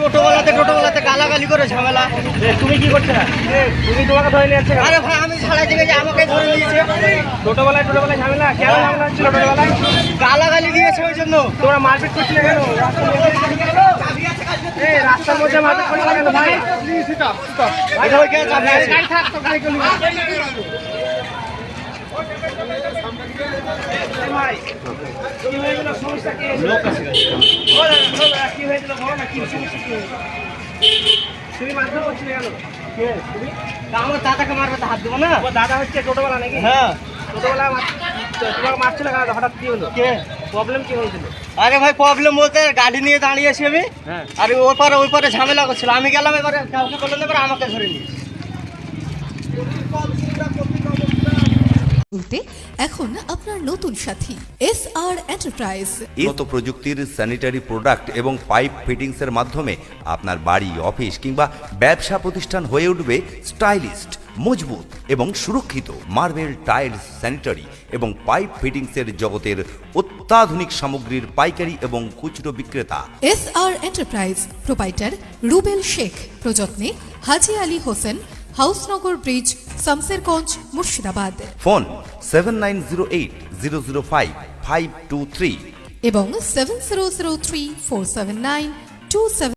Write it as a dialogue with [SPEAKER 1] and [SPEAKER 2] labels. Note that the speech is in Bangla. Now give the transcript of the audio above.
[SPEAKER 1] টোটোওয়ালাতে গালাগালি করে ঝামেলা।
[SPEAKER 2] তুমি কি করছো না? তুমি তোমাকে ধরে নিয়ে যাচ্ছে কেন?
[SPEAKER 1] আরে ভাই আমি ছাড়াই দিকে যে আমাকে ধরে নিয়েছে।
[SPEAKER 2] টোটোবেলায় ঝামেলা কেন ঝামেলা হচ্ছিল? টোটোবেলায়
[SPEAKER 1] গালাগালি দিয়েছে ওই জন্য।
[SPEAKER 2] তোমরা মারপিট করছিলে কেন? রাস্তার মধ্যে মারপিট করছিলে কেন ভাই?
[SPEAKER 1] ভাই ওইখানে চাবি আছে।
[SPEAKER 2] গাড়ি থাক তো গাড়ি চলে ভাই কি হয়েছিল? সমস্যা কি হয়েছিল? কি হয়েছিল বলো না, কি সমস্যা কি হয়েছিল? তুমি মারধর করছিলে কেন?
[SPEAKER 1] আমার দাদাকে মারবে তো হাত দেবো না।
[SPEAKER 2] ও দাদা হচ্ছে টোটোবেলা নাকি?
[SPEAKER 1] হ্যাঁ।
[SPEAKER 2] টোটোবেলা তোমাকে মারছিল কেন? হঠাৎ কি হলো?
[SPEAKER 1] কে?
[SPEAKER 2] প্রবলেম কি হয়েছিল?
[SPEAKER 1] আরে ভাই প্রবলেম বলতে গাড়ি নিয়ে দাঁড়িয়েছি আমি।
[SPEAKER 2] হ্যাঁ।
[SPEAKER 1] আর ওই পারে ঝামেলা করছিল, আমি গেলাম, এবারে কাউকে বললেন, এবার আমাকে ধরে নিয়েছে।
[SPEAKER 3] এখন আপনার নতুন সাথী SR এন্টারপ্রাইজ।
[SPEAKER 4] উন্নত প্রযুক্তির স্যানিটারি প্রোডাক্ট এবং পাইপ ফিটিংসের মাধ্যমে আপনার বাড়ি, অফিস কিংবা ব্যবসা প্রতিষ্ঠান হয়ে উঠবে স্টাইলিস্ট, মজবুত এবং সুরক্ষিত। মার্বেল, টাইলস, স্যানিটারি এবং পাইপ ফিটিংসের জগতের অত্যাধুনিক সামগ্রীর পাইকারি এবং খুচরো বিক্রেতা
[SPEAKER 3] SR enterprise, proprietor Rubel Sheikh, প্রযত্নে হাজি আলী হোসেন, হাউসনগর ব্রিজ, শামসেরগঞ্জ, মুর্শিদাবাদ।
[SPEAKER 4] ফোন 7908005523
[SPEAKER 3] এবং 7003479272